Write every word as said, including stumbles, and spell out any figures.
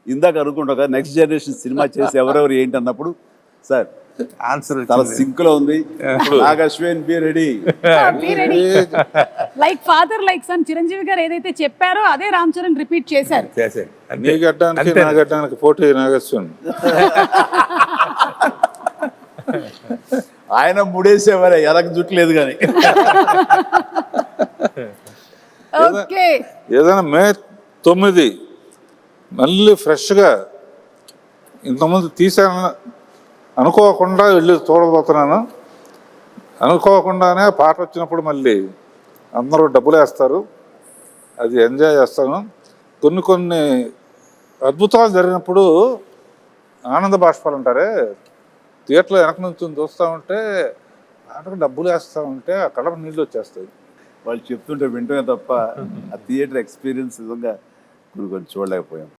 ఇందాక అనుకుంటా next generation cinema చేసి ఎవరెవరు ఏంటి అన్నప్పుడు సార్ ఆన్సర్ చాలా సింక్ లో ఉంది. Nag Ashwin be ready. Like father like son Chiranjeevi garu ఏదైతే చెప్పారో అదే రామ్ చరణ్ రిపీట్ చేశారు. చేసే నీ గడ్డానికి నా గడ్డానికి పోటీ నాగేశ్వన్. ఆయన ముడేసేవారే ఎలక జుట్లేదు కానీ. ఓకే ఏదైనా మే తొమ్మిది మళ్ళీ ఫ్రెష్గా ఇంతకుముందు తీసాను అనుకోకుండా వెళ్ళి చూడబోతున్నాను. అనుకోకుండానే పాట వచ్చినప్పుడు మళ్ళీ అందరూ డబ్బులు వేస్తారు, అది ఎంజాయ్ చేస్తాను. కొన్ని కొన్ని అద్భుతాలు జరిగినప్పుడు ఆనంద బాష్పాలు అంటారే, థియేటర్లో వెనక నుంచి చూస్తూ ఉంటే పాటకు డబ్బులు వేస్తూ ఉంటే ఆ కడప నీళ్ళు వచ్చేస్తాయి. వాళ్ళు చెప్తుంటే వింటమే తప్ప ఆ థియేటర్ ఎక్స్పీరియన్స్ నిజంగా కొన్ని కొన్ని చూడలేకపోయాం.